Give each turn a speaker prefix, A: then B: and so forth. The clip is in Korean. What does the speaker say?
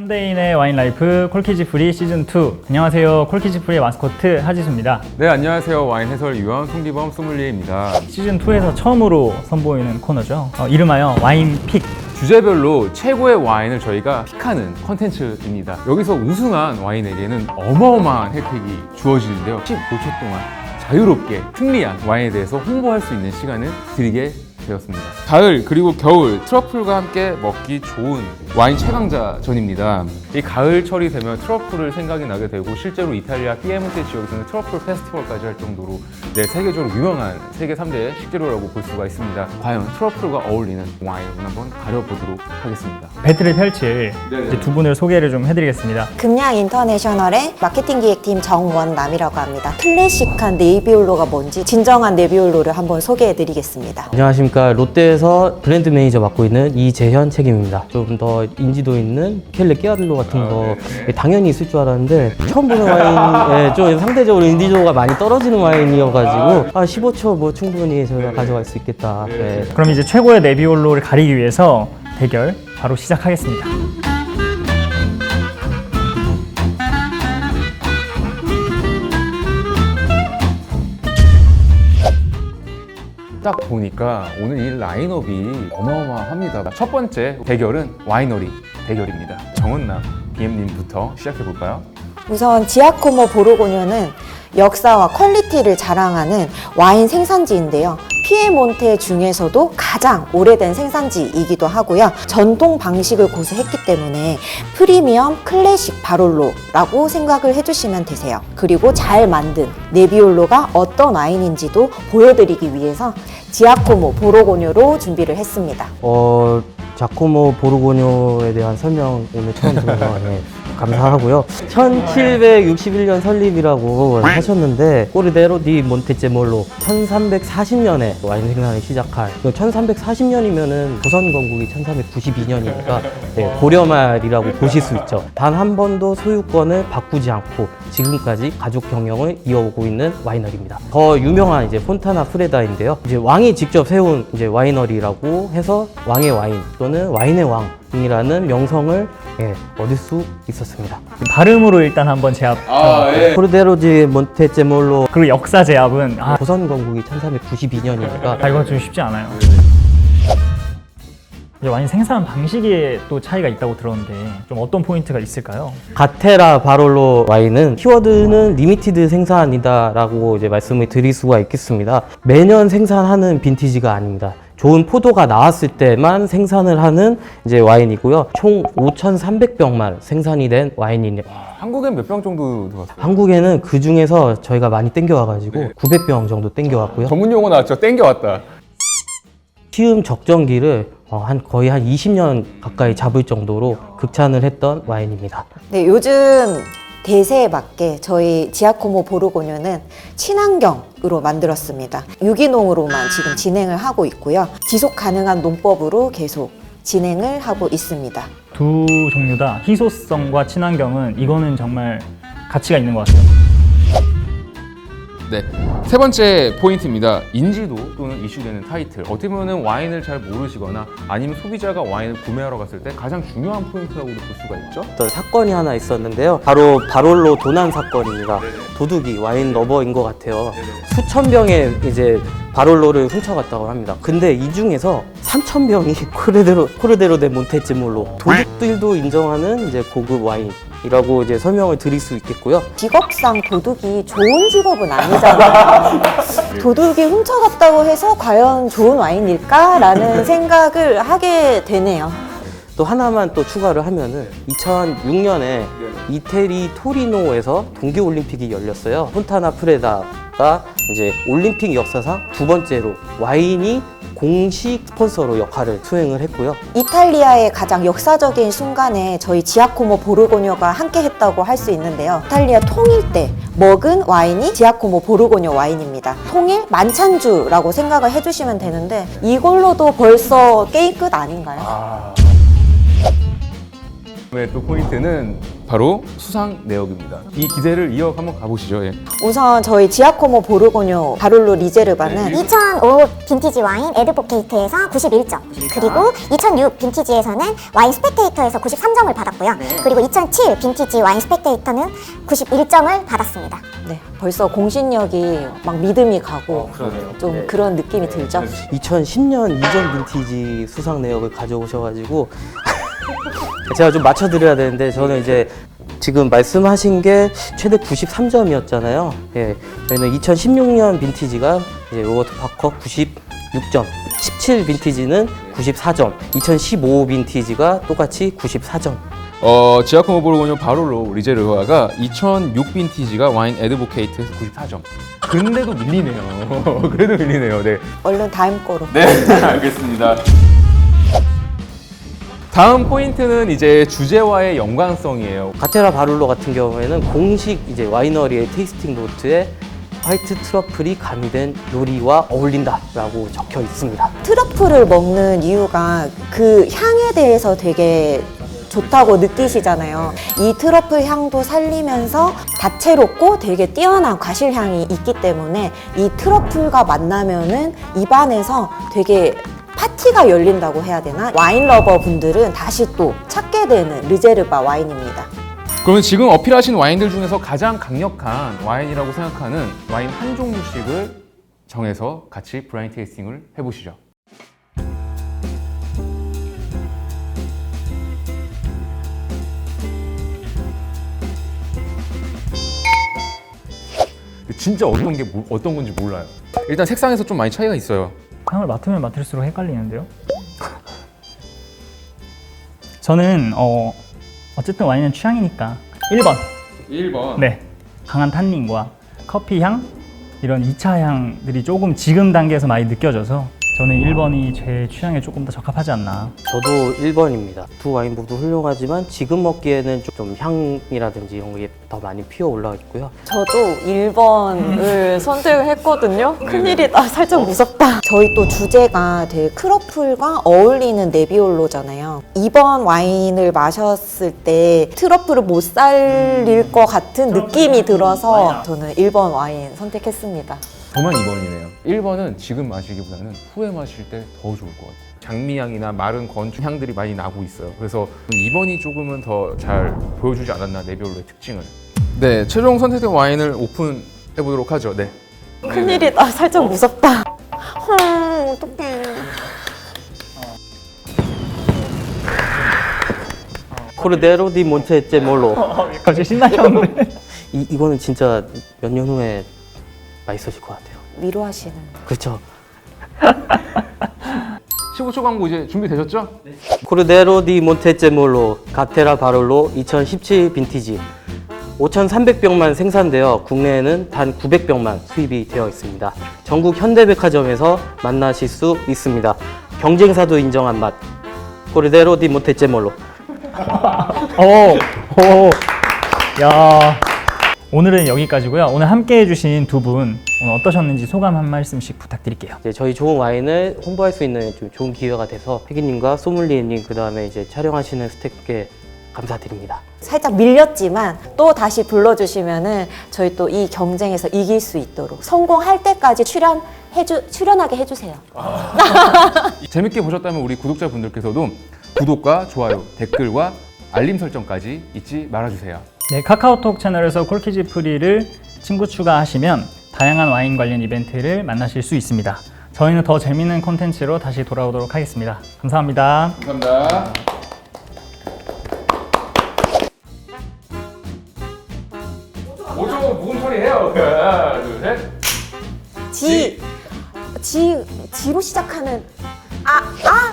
A: 현대인의 와인 라이프 콜키지 프리 시즌 2. 안녕하세요. 콜키지 프리의 마스코트 하지수입니다.
B: 네, 안녕하세요. 와인 해설위원 송기범 소믈리에입니다.
A: 시즌 2에서 처음으로 선보이는 코너죠. 이름하여 와인 픽.
B: 주제별로 최고의 와인을 저희가 픽하는 컨텐츠입니다. 여기서 우승한 와인에게는 어마어마한 혜택이 주어지는데요. 15초 동안 자유롭게 특리한 와인에 대해서 홍보할 수 있는 시간을 드리게 되었습니다. 가을 그리고 겨울 트러플과 함께 먹기 좋은 와인 최강자전입니다. 이 가을철이 되면 트러플을 생각이 나게 되고 실제로 이탈리아 피에몬테 지역에서는 트러플 페스티벌까지 할 정도로 세계적으로 유명한 세계 3대 식재료라고 볼 수가 있습니다. 과연 트러플과 어울리는 와인을 한번 가려보도록 하겠습니다.
A: 배틀을 펼칠 이제 두 분을 소개를 좀 해드리겠습니다.
C: 금양 인터내셔널의 마케팅 기획팀 정원남이라고 합니다. 클래식한 네비올로가 뭔지 진정한 네비올로를 한번 소개해드리겠습니다.
D: 안녕하십니까. 롯데에서 브랜드 매니저 맡고 있는 이재현 책임입니다. 좀 더 인지도 있는 켈레 끼아들로 같은 거 당연히 있을 줄 알았는데 처음 보는 와인에 좀 상대적으로 인지도가 많이 떨어지는 와인이어가지고 15초 뭐 충분히 저희가 가져갈 수 있겠다. 네.
A: 그럼 이제 최고의 네비올로를 가리기 위해서 대결 바로 시작하겠습니다.
B: 딱 보니까 오늘 이 라인업이 어마어마합니다. 첫 번째 대결은 와이너리 대결입니다. 정은남 BM님부터 시작해볼까요?
C: 우선 지아코모 보르고뇨는 역사와 퀄리티를 자랑하는 와인 생산지인데요. 피에몬테 중에서도 가장 오래된 생산지이기도 하고요. 전통 방식을 고수했기 때문에 프리미엄 클래식 바롤로라고 생각을 해주시면 되세요. 그리고 잘 만든 네비올로가 어떤 와인인지도 보여드리기 위해서 지아코모 보르고뇨로 준비를 했습니다.
D: 자코모 보르고뇨에 대한 설명 오늘 처음 들어서 감사하고요. 1761년 설립이라고 하셨는데 꼬르데로 디 몬테제몰로 1340년에 와인 생산을 시작한 1340년이면은 조선 건국이 1392년이니까 고려 말이라고 보실 수 있죠. 단 한 번도 소유권을 바꾸지 않고 지금까지 가족 경영을 이어오고 있는 와이너리입니다. 더 유명한 이제 폰타나 프레다인데요. 이제 왕이 직접 세운 이제 와이너리라고 해서 왕의 와인 또는 와인의 왕이라는 명성을 얻을 수 있었습니다.
A: 발음으로 일단 한번 제압.
D: 코르데로지 몬테제몰로
A: 그리고 역사 제압은
D: 조선 건국이 1392년이니까
A: 이건 좀 쉽지 않아요. 이제 와인 생산 방식에 또 차이가 있다고 들었는데 좀 어떤 포인트가 있을까요?
D: 가테라 바롤로 와인은 키워드는 리미티드 생산이다라고 이제 말씀을 드릴 수가 있겠습니다. 매년 생산하는 빈티지가 아닙니다. 좋은 포도가 나왔을 때만 생산을 하는 이제 와인이고요. 총 5,300병만 생산이 된 와인이네요.
B: 한국엔 몇 병 정도 들어갔어요?
D: 한국에는 그 중에서 저희가 많이 땡겨와가지고 900병 정도 땡겨왔고요.
B: 전문 용어 나왔죠? 땡겨왔다.
D: 시음 적정기를 거의 한 20년 가까이 잡을 정도로 극찬을 했던 와인입니다.
C: 네, 요즘 대세에 맞게 저희 지아코모 보르고뇨는 친환경으로 만들었습니다. 유기농으로만 지금 진행을 하고 있고요. 지속 가능한 농법으로 계속 진행을 하고 있습니다.
A: 두 종류 다 희소성과 친환경은 이거는 정말 가치가 있는 것 같아요.
B: 네, 세 번째 포인트입니다. 인지도 또는 이슈되는 타이틀. 어떻게 보면 와인을 잘 모르시거나 아니면 소비자가 와인을 구매하러 갔을 때 가장 중요한 포인트라고도 볼 수가 있죠.
D: 어떤 사건이 하나 있었는데요. 바로 바롤로 도난 사건입니다. 도둑이 와인 러버인 것 같아요. 수천 병의 이제 바롤로를 훔쳐갔다고 합니다. 근데 이 중에서 3,000병이 코르데로 데 몬테제몰로 도둑들도 인정하는 이제 고급 와인이라고 이제 설명을 드릴 수 있겠고요.
C: 직업상 도둑이 좋은 직업은 아니잖아요. 도둑이 훔쳐갔다고 해서 과연 좋은 와인일까라는 생각을 하게 되네요.
D: 또 하나만 또 추가를 하면은 2006년에 이태리 토리노에서 동계올림픽이 열렸어요. 폰타나 프레다가 이제 올림픽 역사상 두 번째로 와인이 공식 스폰서로 역할을 수행을 했고요.
C: 이탈리아의 가장 역사적인 순간에 저희 지아코모 보르고뇨가 함께 했다고 할 수 있는데요. 이탈리아 통일 때 먹은 와인이 지아코모 보르고뇨 와인입니다. 통일 만찬주라고 생각을 해주시면 되는데 이걸로도 벌써 게임 끝 아닌가요?
B: 네, 또 포인트는 바로 수상 내역입니다. 이 기세를 이어 한번 가보시죠. 예.
C: 우선 저희 지아코모 보르고뇨 바룰로 리제르바는
E: 2005 빈티지 와인 에드보케이트에서 91점, 그리고 2006 빈티지에서는 와인 스펙테이터에서 93점을 받았고요. 그리고 2007 빈티지 와인 스펙테이터는 91점을 받았습니다.
C: 네, 벌써 공신력이 막 믿음이 가고 좀 그런 느낌이 들죠.
D: 2010년 이전 빈티지 수상 내역을 가져오셔가지고 제가 좀 맞춰드려야 되는데 저는 이제 지금 말씀하신 게 최대 93점이었잖아요. 예, 저희는 2016년 빈티지가 이제 로버트 파커 96점, 17 빈티지는 94점, 2015 빈티지가 똑같이 94점.
B: 지아코모 보르고뇨 바롤로 리제르바가 2006 빈티지가 와인 에드보케이트에서 94점. 근데도 밀리네요. 그래도 밀리네요. 네.
C: 얼른 다음 거로.
B: 네, 알겠습니다. 다음 포인트는 이제 주제와의 연관성이에요.
D: 가테라 바룰로 같은 경우에는 공식 이제 와이너리의 테이스팅 노트에 화이트 트러플이 가미된 요리와 어울린다라고 적혀 있습니다.
C: 트러플을 먹는 이유가 그 향에 대해서 되게 좋다고 느끼시잖아요. 이 트러플 향도 살리면서 다채롭고 되게 뛰어난 과실향이 있기 때문에 이 트러플과 만나면은 입안에서 되게 파티가 열린다고 해야 되나? 와인 러버 분들은 다시 또 찾게 되는 리제르바 와인입니다.
B: 그러면 지금 어필하신 와인들 중에서 가장 강력한 와인이라고 생각하는 와인 한 종류씩을 정해서 같이 블라인드 테이스팅을 해보시죠. 진짜 어떤 건지 몰라요. 일단 색상에서 좀 많이 차이가 있어요.
A: 향을 맡으면 맡을수록 헷갈리는데요. 저는 어쨌든 와인은 취향이니까 1번.
B: 1번.
A: 네, 강한 탄닌과 커피 향 이런 2차 향들이 조금 지금 단계에서 많이 느껴져서 저는 1번이 제 취향에 조금 더 적합하지 않나.
D: 저도 1번입니다. 두 와인 모두 훌륭하지만 지금 먹기에는 좀 향이라든지 이런 게 더 많이 피어 올라와 있고요.
C: 저도 1번을 선택을 했거든요. 큰일이다. 살짝 무섭다. 저희 또 주제가 되게 트러플과 어울리는 네비올로잖아요. 2번 와인을 마셨을 때 트러플을 못 살릴 것 같은 느낌이 들어서 저는 1번 와인 선택했습니다.
B: 저만 2번이네요. 1번은 지금 마시기보다는 후에 마실 때 더 좋을 것 같아요. 장미향이나 마른 건축 향들이 많이 나고 있어요. 그래서 2번이 조금은 더 잘 보여주지 않았나, 네비올로의 특징을. 네, 최종 선택된 와인을 오픈해 보도록 하죠. 네.
C: 큰일이다. 살짝 무섭다. 어떡해.
D: 코르데로 디 몬테제몰로.
A: 갑자기 신나셨는데.
D: 이거는 진짜 몇 년 후에 맛있어질 것 같아요.
C: 위로하시는.
D: 그렇죠.
B: 15초 광고 이제 준비되셨죠?
D: 코르데로 디 몬테제몰로 가테라 바롤로 2017 빈티지 5,300병만 생산되어 국내에는 단 900병만 수입이 되어 있습니다. 전국 현대백화점에서 만나실 수 있습니다. 경쟁사도 인정한 맛. 코르데로 디 몬테제몰로.
A: 야. 오늘은 여기까지고요. 오늘 함께 해주신 두 분 오늘 어떠셨는지 소감 한 말씀씩 부탁드릴게요.
D: 이제 저희 좋은 와인을 홍보할 수 있는 좀 좋은 기회가 돼서 혜기님과 소믈리에님 그다음에 이제 촬영하시는 스태프께 감사드립니다.
C: 살짝 밀렸지만 또 다시 불러주시면은 저희 또 이 경쟁에서 이길 수 있도록 성공할 때까지 출연하게 해주세요.
B: 재밌게 보셨다면 우리 구독자분들께서도 구독과 좋아요, 댓글과 알림 설정까지 잊지 말아주세요.
A: 네, 카카오톡 채널에서 콜키즈 프리를 친구 추가하시면 다양한 와인 관련 이벤트를 만나실 수 있습니다. 저희는 더 재밌는 콘텐츠로 다시 돌아오도록 하겠습니다. 감사합니다.
B: 감사합니다. 오조 무슨 소리 해요? 하나, 둘, 셋.
C: 지로 시작하는 아